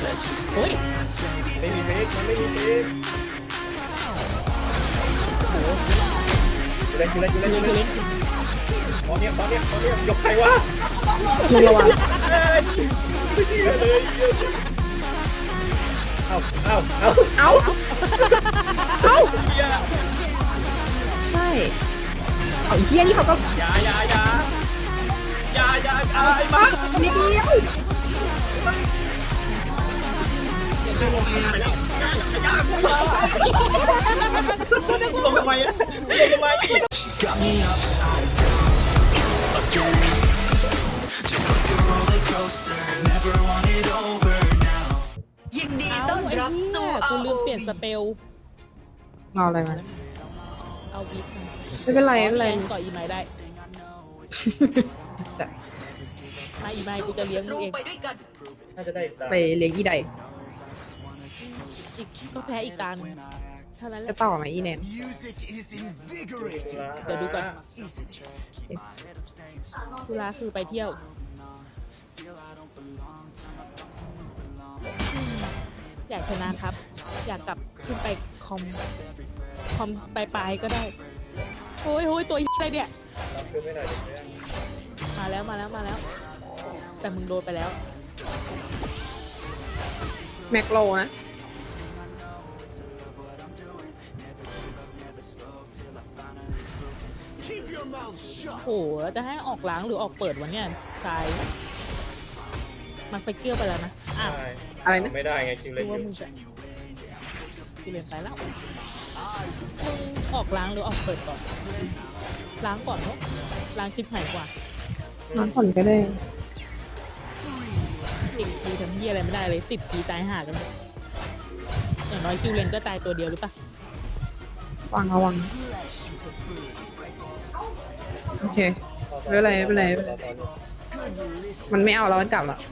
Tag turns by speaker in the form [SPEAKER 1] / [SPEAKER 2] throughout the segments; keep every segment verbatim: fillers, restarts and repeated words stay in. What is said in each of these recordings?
[SPEAKER 1] โอ้ย
[SPEAKER 2] ไม่มีเฟกมันไม่มีเฟกโอ้โหอยู่เล่นอยู่เล่นอยู่เล่นอยู่เล่นตอนเนี้ยตอนเนี้ยตอนเนี้ยยกใครวะ
[SPEAKER 3] มึงระวัง
[SPEAKER 2] ไม่เชื่อเลยเอาเอาเอา
[SPEAKER 3] เอ้าเอ้า
[SPEAKER 2] เฮีย
[SPEAKER 3] ใช่เอาไอ้เหี้ยนี่เขาก็
[SPEAKER 2] อย่าอย่าอย่าอย่าอย่าอย่าไอ้บ้า
[SPEAKER 3] นิดเดียว
[SPEAKER 2] ไปแล้วอย่าอย่าส่งทำไมอะส่งทำไม
[SPEAKER 4] She's got me upside down again, just like a roller coaster. Never want it over now.
[SPEAKER 5] ยินดี
[SPEAKER 1] เอา
[SPEAKER 5] ต้อน
[SPEAKER 1] ไอ้
[SPEAKER 5] รับ
[SPEAKER 1] เหี้
[SPEAKER 5] สู่
[SPEAKER 1] ยกู
[SPEAKER 5] อาร์
[SPEAKER 1] ลื
[SPEAKER 5] โอ
[SPEAKER 1] มเปลี่ยน
[SPEAKER 5] วี
[SPEAKER 1] สเปล
[SPEAKER 3] เอาอะไรมา
[SPEAKER 1] เอาวิกมา
[SPEAKER 3] ไม่เป็นไรไม่เป็นไร
[SPEAKER 1] แรงต่ออีไม้ได้มาอีไม้กูจะเลี้ยงมึ
[SPEAKER 5] รู
[SPEAKER 1] งเอง
[SPEAKER 5] ไปด้วยกัน
[SPEAKER 2] น่าจะได้
[SPEAKER 3] ไปเลี้ยงอีใด
[SPEAKER 1] อีกก็แพ้อีกตาหนึ่งเท่านั้นแห
[SPEAKER 3] จะ
[SPEAKER 1] ละ
[SPEAKER 3] ต่อไหมอีแนน
[SPEAKER 4] Music is invigorating.
[SPEAKER 1] เดี๋ยวดูก่อนธุระคือไปเที่ยว อยากชนะครับ อยากกลับขึ้นไปคอม คอมปลายๆก็ได้ โอ้ยโอ้ยตัวอะไรเนี่ย
[SPEAKER 2] รับคือไม่หน่อยเดี๋ยว
[SPEAKER 1] มาแล้วมาแล้วมาแล้ว แต่มึงโดนไปแล้ว
[SPEAKER 3] แมคโลนะ
[SPEAKER 4] Keep your mouth shut.
[SPEAKER 1] โอ้โหแล้วจะให้ออกล้างหรือออกเปิดวะเนี่ยชายมันไปเกี่ยวไปแล้วนะอ่ะ
[SPEAKER 2] ใช่
[SPEAKER 3] อะไรนะ
[SPEAKER 2] ไม่ได้ไงคิวเล่
[SPEAKER 1] ดู
[SPEAKER 2] นอ
[SPEAKER 1] ว่า
[SPEAKER 2] ยู่
[SPEAKER 1] มึงจะกูเรียนไปแล้วมึงออกล้างหรือออกเปิดก่อน ล้างก่อนเนาะล้างคลิปหายกว่า
[SPEAKER 3] น้ำผ่อนก็ได้
[SPEAKER 1] ติดทีทำเฮียอะไรไม่ได้เลยติดทีตายห่ากันหมดอย่างน้อยคิวเลนก็ตายตัวเดียวหรือปะ
[SPEAKER 3] วางระวังโอเคไม่เป็นไรไม่เป็นไรไม่เป็นไรมันไม่เอาแล้วมันกลับแล้ว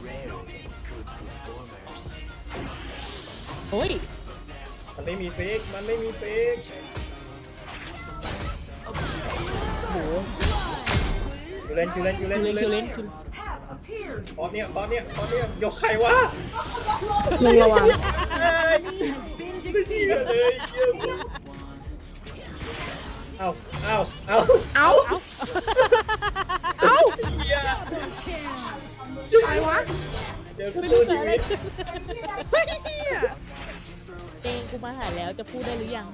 [SPEAKER 1] โอ้ย
[SPEAKER 2] มันไม่มีเฟกมันไม่มีเฟก
[SPEAKER 1] โห
[SPEAKER 2] คิวเล่นคิวเล่นคิว
[SPEAKER 1] คิ
[SPEAKER 2] เล่
[SPEAKER 1] วน เลนคิวเลนคิว
[SPEAKER 2] ตอนเนี้ยตอนเนี้ยตอนเนี้ยยกใครวะ
[SPEAKER 3] มึงระวัง
[SPEAKER 2] เอ้ยไม่เชื่อเลยเชื่อเอาเอาเอา
[SPEAKER 3] เอ้า
[SPEAKER 1] เอ้า
[SPEAKER 3] เอ้า
[SPEAKER 2] เฮีย
[SPEAKER 3] อะไรวะ
[SPEAKER 2] เจอกระ
[SPEAKER 1] ไม่
[SPEAKER 2] ตุ้
[SPEAKER 1] รู้
[SPEAKER 2] น
[SPEAKER 1] จะ
[SPEAKER 2] ชี
[SPEAKER 1] อะไร
[SPEAKER 2] วิต
[SPEAKER 3] เฮ้ยเหี้ย
[SPEAKER 1] เองกูมาหาแล้วจะพูดได้หรือยัง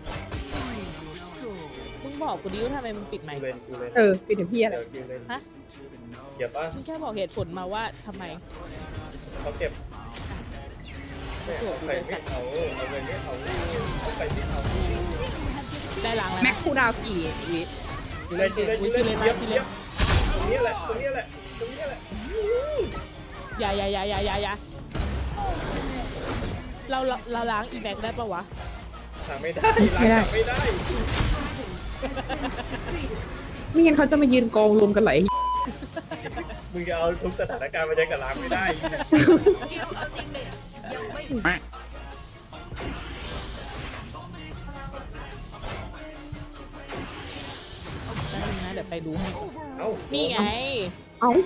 [SPEAKER 1] มึงบอกกูดิว่าทำไมมึงปิดไม
[SPEAKER 2] คิว
[SPEAKER 1] ค์
[SPEAKER 2] เล่นคิวเล่น
[SPEAKER 3] เออปิดเดี๋ยวพี่อะไร
[SPEAKER 2] เดี๋ยวคิวเล่น
[SPEAKER 1] ฮะ
[SPEAKER 2] เดี๋ยวป่ะ
[SPEAKER 1] มึงแค่บอกเหตุผลมาว่าทำไม
[SPEAKER 2] เขาเก็บแม่เอาไปไม่เอาเอาเงินไม่เอาเอาไปไม่เอา
[SPEAKER 1] ได้ล้างแล้ว
[SPEAKER 3] แม็ก
[SPEAKER 1] นะ
[SPEAKER 3] คูดาวกี่วิ
[SPEAKER 2] คิวเล่นคิวเล่นคิวเล่นเยี่ยมเยี่ยมตรงนี้แหละตรงนี้แหละตรงนี้แหละ
[SPEAKER 1] อย่าอย่าอย่าอย่าอย่าอย่าเราเราเราล้างอีแม็กได้ปะวะ
[SPEAKER 2] หาไม่ได้ล้างไม่ได้
[SPEAKER 3] ไม่งั้นเขาจะมายืนกองรวมกันไหลาย
[SPEAKER 2] มึงจะเอาทุกสถานการณ์มาใช้กับล้างไม่ได้
[SPEAKER 5] สกิลอัลติเมทยังไม่
[SPEAKER 1] ได้นึงนะเดี๋ยวไปดูให้
[SPEAKER 2] เอ้า
[SPEAKER 1] นี่ไง
[SPEAKER 3] เอ้า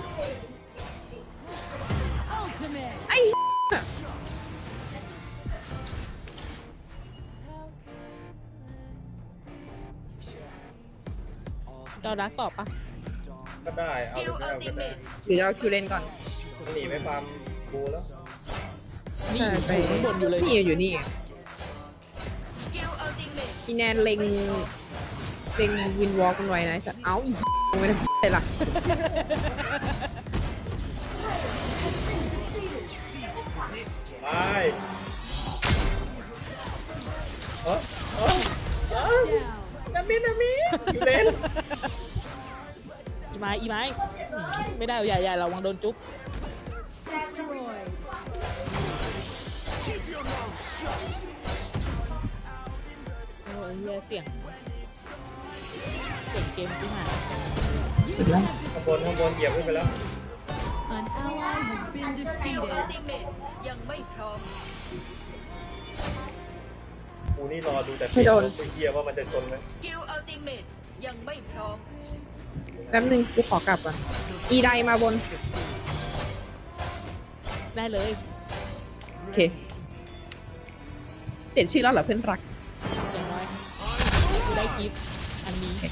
[SPEAKER 1] เจ้ารักตอบปะ
[SPEAKER 2] ก็ได้
[SPEAKER 5] ส
[SPEAKER 2] เอา
[SPEAKER 5] กิล
[SPEAKER 2] ไม่
[SPEAKER 5] อัล
[SPEAKER 2] เอา
[SPEAKER 5] ติ
[SPEAKER 2] ก็
[SPEAKER 5] เม
[SPEAKER 2] ได้
[SPEAKER 5] ท
[SPEAKER 3] เดี๋ยวจะเอาคิวเล่นก่อน
[SPEAKER 2] หนีไปฟาร์มบูแล้ว
[SPEAKER 1] นี่
[SPEAKER 3] ใช่ไป
[SPEAKER 1] อยู่ข้างบนอยู่เลย
[SPEAKER 3] นี่อยู่นี่
[SPEAKER 5] สกิลอัลติเมท
[SPEAKER 3] อีแนนเล็งเล็งวินวอล์กกันไว้นะจะเอ้าอีไม่ได้อะไรล่ะ
[SPEAKER 2] ไปเออเออเออนามินามิอยู่เล่น
[SPEAKER 1] อีไม้อีไม้อืมไม่ได้อย่าอย่าระวังโดนจุ๊บโอ้ยเหี้ยเสียงเสียงเกมที่หา
[SPEAKER 3] สุดแล้ว
[SPEAKER 2] ข้างบนข้างบนเหยียบขึ้นไปแล้ว
[SPEAKER 5] An ally has been defeated สกิลอัลติเมทยังไม่พร้อม
[SPEAKER 2] กูนี่รอดูแต่
[SPEAKER 3] ไม่โดน
[SPEAKER 2] กูเฮียว่ามันจะชนไหม
[SPEAKER 5] สกิลอัลติเมทยังไม่พร้อม
[SPEAKER 3] แป๊บนึงกูขอกลับก่อนอีไดมาบน
[SPEAKER 1] ได้เลย
[SPEAKER 3] เคเปลี่ยนชื่อแล้วเหรอเพื่อนรัก
[SPEAKER 1] อย่างน้อยกูได้คลิปอันนี้
[SPEAKER 5] You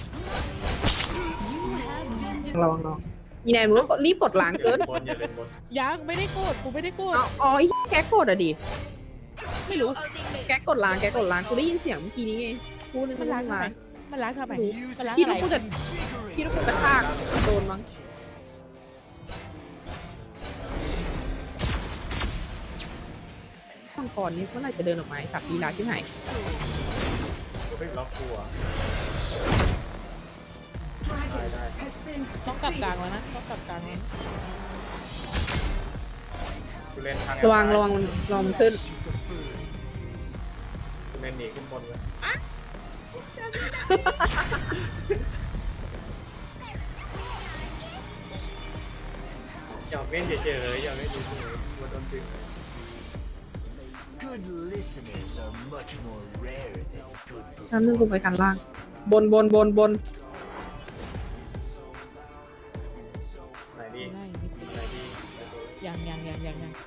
[SPEAKER 5] have been
[SPEAKER 3] ลองลองยีนายมึงก็กดรีบกดล้างเกิน
[SPEAKER 2] บนอย่าเล่นบน
[SPEAKER 1] ยังไม่ได้โกรธกูไม่ได้โกรธ
[SPEAKER 3] อ๋ออ๋อไอ้แกกดอ่ะดิ
[SPEAKER 1] ไม่รู้
[SPEAKER 3] แกกดล้างแกกดล้างกูได้ยินเสียงเมื่อกี้นี้ไงกูนึก
[SPEAKER 1] มั
[SPEAKER 3] ว่าน
[SPEAKER 1] ล้างทำ
[SPEAKER 3] ล้า
[SPEAKER 1] ไม
[SPEAKER 3] ง
[SPEAKER 1] มันล้างทำไมมันล้าง
[SPEAKER 3] พี่
[SPEAKER 1] อะไร
[SPEAKER 3] ต้องกูจะพี่ต้องกูกระชากโดนมั้งมังกรนี่เมื่อไหร่จะเดินออกมาไอ้สัตว์ลีลาที่ไหน
[SPEAKER 2] เฮ้ยล็อกตัวได้ได้
[SPEAKER 1] ต้องกลับกลางแล้วนะต้องกลับกลางแล้ว
[SPEAKER 2] กูเล่นทาง
[SPEAKER 3] ระวังระวังมันระวังมันขึ้น
[SPEAKER 2] กูเล่นหนีขึ้นบนเลยอยากเล่นเฉยๆอยากเล่นเฉยๆกูโดนดึง
[SPEAKER 6] Good listeners are much more rare than good
[SPEAKER 3] น้ำนึงกูไปกันล่าง บนบนบนบน
[SPEAKER 2] ไหนดี
[SPEAKER 1] ง่ายนิดเดียว
[SPEAKER 2] ไหนดี
[SPEAKER 1] ยังยังยังยังยัง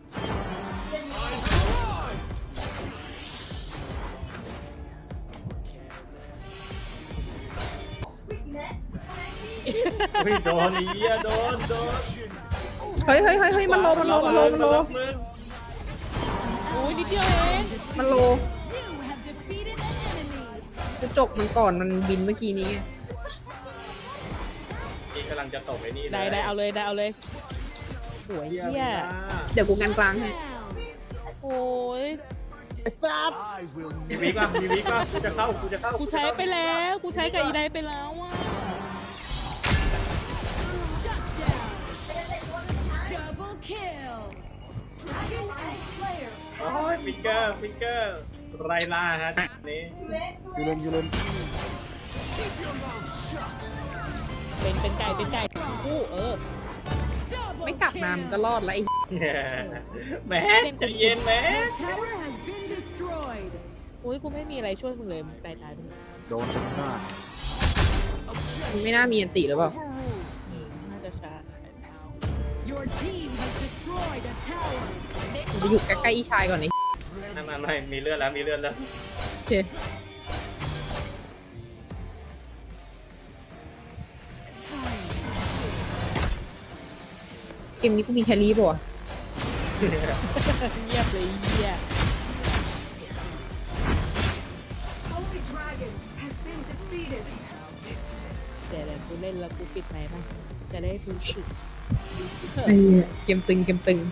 [SPEAKER 2] เฮ้ยโดนไอ้เหี้ยโดนโดน
[SPEAKER 3] เฮ้ยเฮ้ยเฮ้ยเฮ้ยมันโลมันโลมันโลมันโล
[SPEAKER 2] มึง
[SPEAKER 1] อุ้ยนิดเดียวเอง
[SPEAKER 3] มันโล
[SPEAKER 5] You have defeated an enemy.
[SPEAKER 3] กูจกมันก่อนมันบินเมื่อกี้นี้ไง
[SPEAKER 2] นี่กำลังจะตกไอ้นี่เลย
[SPEAKER 1] ได้ได้เอาเลยได้เอาเลยสวย
[SPEAKER 2] เหี้ย
[SPEAKER 1] เฮีย
[SPEAKER 3] เดี๋ยวกูกันกลางให้
[SPEAKER 5] Round.
[SPEAKER 1] โอ้ย
[SPEAKER 6] I will
[SPEAKER 2] มีวิกป่ะมีวิกป่ะกูจะเข้ากูจะเข้า
[SPEAKER 1] กู
[SPEAKER 2] กู
[SPEAKER 1] ใช้ไปแล้วกูใช้กับอีไดไปแล้วอ่ะ
[SPEAKER 5] Double kill. Dragon and Slayer.
[SPEAKER 2] โอ้ยฟิกเกอร์ฟิกเกอร์ไรล่าฮะนี่
[SPEAKER 6] ยูเลนยูเลน
[SPEAKER 1] เป็นเป็นไก่เป็นไก่กูเออ
[SPEAKER 5] Double
[SPEAKER 3] ไม่กลับมามันก็รอดแล้วไอ้
[SPEAKER 2] แหมใจะเย็นแหม
[SPEAKER 5] Your tower has been destroyed.
[SPEAKER 1] อุ้ยกูไม่มีอะไรช่วยมึงเลยมึงตายตายไปเลย
[SPEAKER 6] โดนเป็นหน้า
[SPEAKER 3] มันไม่น่ามีอันติหรือเปล่า
[SPEAKER 1] น่าจะช้า
[SPEAKER 5] Your team has destroyed a tower.
[SPEAKER 3] มันไปอยู่ใกล้ๆอีชายก่อนนี่
[SPEAKER 2] ไม่ไม่ไม่มีเลือดแล้วมีเลือดแล้ว
[SPEAKER 3] โอเคเกมนี้กูมีแครี่ป่ะวะ
[SPEAKER 1] เงียบเลยเฮีย
[SPEAKER 5] Holy Dragon has been defeated.
[SPEAKER 1] แต่เดี๋ยวกูเล่นแล้วกูปิดไหมค์นะจะได้รู้สึก
[SPEAKER 3] ไอ้เหี้ยเกมตึงเกมตึง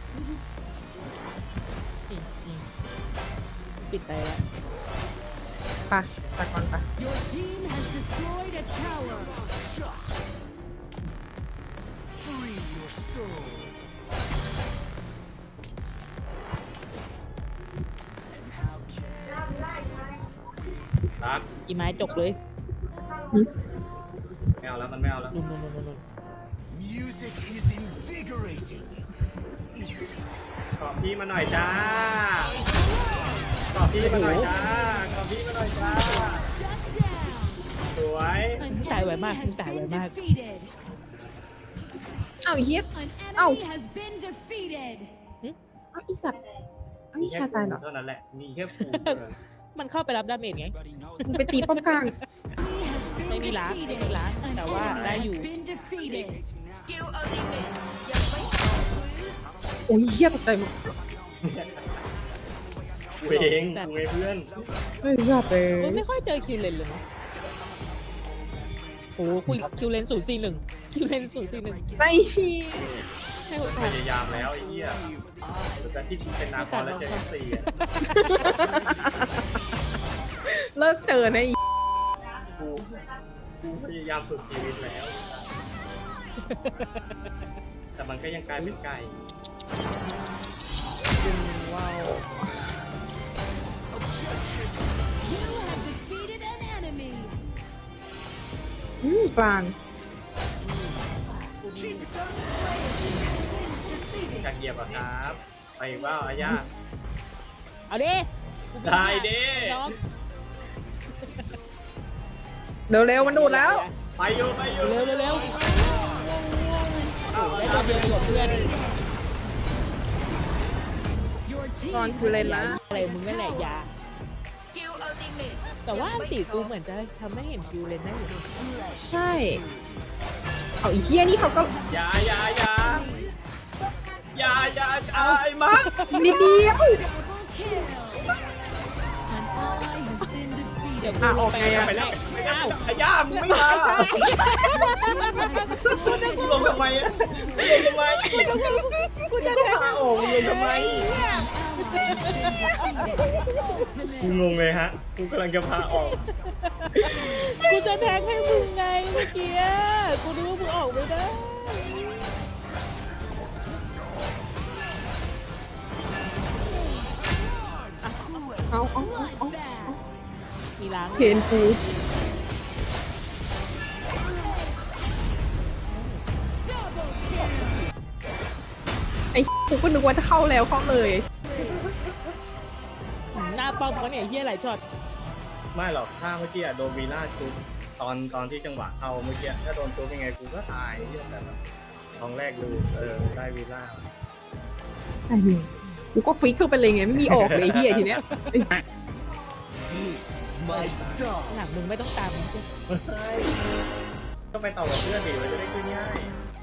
[SPEAKER 1] อืมอืมปิดไปแล้ว
[SPEAKER 3] ไปตะกอนไป
[SPEAKER 5] Your team has destroyed a tower.
[SPEAKER 6] free your soul
[SPEAKER 2] รัก
[SPEAKER 1] อีไม้จบเลย
[SPEAKER 2] ไม่เอาแล้วมันไม่เอาแล้ว
[SPEAKER 1] นุ่นนุ่นนุ่นนุ่น
[SPEAKER 6] music is invigorating isn't it
[SPEAKER 2] ขอพี่มาหน่อยจ้าขอพี่มาหน่อยจ้าขอพี่มาหน่อยจ้า
[SPEAKER 5] Shut down.
[SPEAKER 2] สวย
[SPEAKER 5] An
[SPEAKER 1] Tài vậy
[SPEAKER 5] enemy
[SPEAKER 1] mà,
[SPEAKER 5] has
[SPEAKER 1] tài
[SPEAKER 5] been
[SPEAKER 1] vậy mà.
[SPEAKER 5] defeated.
[SPEAKER 3] เอ้าไอ้เฮีย
[SPEAKER 5] An
[SPEAKER 3] Ow.
[SPEAKER 5] enemy has been defeated.
[SPEAKER 3] เอ้าอีสัตว์เอ้าอีชายตายเหรอ
[SPEAKER 2] เท่านั้นแหละมีแค่ปู
[SPEAKER 1] มันเข้าไปรับดาเมจไง
[SPEAKER 3] มึงไปตีป้อมกลาง
[SPEAKER 5] He has been
[SPEAKER 1] ไม่มีล้างไม่
[SPEAKER 5] defeated.
[SPEAKER 1] มีล้าง
[SPEAKER 5] An
[SPEAKER 1] แต่ว่าได้
[SPEAKER 5] enemy
[SPEAKER 1] อยู่
[SPEAKER 5] has been defeated.
[SPEAKER 3] โอ้ยเฮียตกใจหมด
[SPEAKER 2] กูเองกูเองเพื่อน
[SPEAKER 3] เฮ้ยสัตว์เลย
[SPEAKER 1] เฮ้ยไม่ค่อยเจอคิวเลนเลยเนาะโอ้โหคุยคิวเลนศูนย์สี่หนึ่งคิวเลนศูนย์สี่หนึ่ง
[SPEAKER 3] ไอ้เหี้ย
[SPEAKER 1] ให้โอกา
[SPEAKER 2] พ
[SPEAKER 1] ส
[SPEAKER 2] ยายามแล้วไอ้เหี้ยแต่ที่กูเป็นนาคอนแล้วเจอเอฟซีอะ
[SPEAKER 3] เลิกเจอนะไอ้
[SPEAKER 2] กูกูพยายามสุดชีวิตแล้ว แต่มันก็ยังกลายเป็นไก่
[SPEAKER 3] ว้าว
[SPEAKER 5] You have defeated an enemy.
[SPEAKER 3] อืมกลาง
[SPEAKER 2] อยากเหยียบอะครับ ไปอีกว่าอาญา
[SPEAKER 1] เอาดิ
[SPEAKER 2] ได้ดิ
[SPEAKER 1] น้อง
[SPEAKER 3] เร็วๆมันดูดแล้ว
[SPEAKER 2] ไปอยู่ไปอยู่
[SPEAKER 1] เร็วเร็วเร็วได้ตัวเดียวดีกว่าเพื่อน
[SPEAKER 5] Your
[SPEAKER 3] ตอนกูเล่นละ
[SPEAKER 1] อะไรมึงนั่นแหละยา
[SPEAKER 5] สกิลอัลติเมท
[SPEAKER 1] แต่ว่าอันตีกูเหมือนจะทำให้เห็นคิวเลนได้อยู่
[SPEAKER 3] ใช่เอาอีเฮียนี่เขาก็
[SPEAKER 2] อยาอยาอยาอยาอยาเอาไอ้มาร์ค
[SPEAKER 3] อีกนิดเดียว
[SPEAKER 1] เดี๋ยว
[SPEAKER 3] อ่ะ
[SPEAKER 1] กู
[SPEAKER 3] ออกไงอะ
[SPEAKER 1] ไป
[SPEAKER 2] ไป
[SPEAKER 1] แล้
[SPEAKER 2] แล้ว ว
[SPEAKER 1] อ้าว
[SPEAKER 2] ไอ้ย่ามึงไม่มากูลงทำไมอะลงทำไม
[SPEAKER 1] กูจะ
[SPEAKER 2] ก็
[SPEAKER 1] แทง
[SPEAKER 2] พาออกมึงลงทำไมกูงงเลยฮะกูกำลังจะพาออก
[SPEAKER 1] กูจะแทงให้มึงไงเมื่อกี้กูนึกว่ามึงออกไม่ได้
[SPEAKER 3] เอาเอาเอาเอา
[SPEAKER 1] มีล้าง
[SPEAKER 3] เพนกูไอ้กูก็นึกว่าจะเข้าแล้วเข้าเลย
[SPEAKER 1] หน้าป้อมเขาเนี่ยเฮียหลายช็อต
[SPEAKER 2] ไม่หรอกถ้าเมื่อกี้อะโดนวีล่าจุบตอนตอนที่จังหวะเข้าเมื่อกี้ถ้าโดนจุบยังไงกูก็ตายที่แต่แบบตอนแรกดูเออได้วีล่า
[SPEAKER 3] ไอ้เหี้ยกูก็ฟิกเข้าไปเลยไงไม่มีออกเลยไอ้เฮียทีเนี้ยไอ้สัส
[SPEAKER 6] This is my song.
[SPEAKER 1] หลังมึงไม่ต้องตามมึง
[SPEAKER 2] ก็ไปต่อกับเพื่อนดิมันจะได้ขึ้นง่าย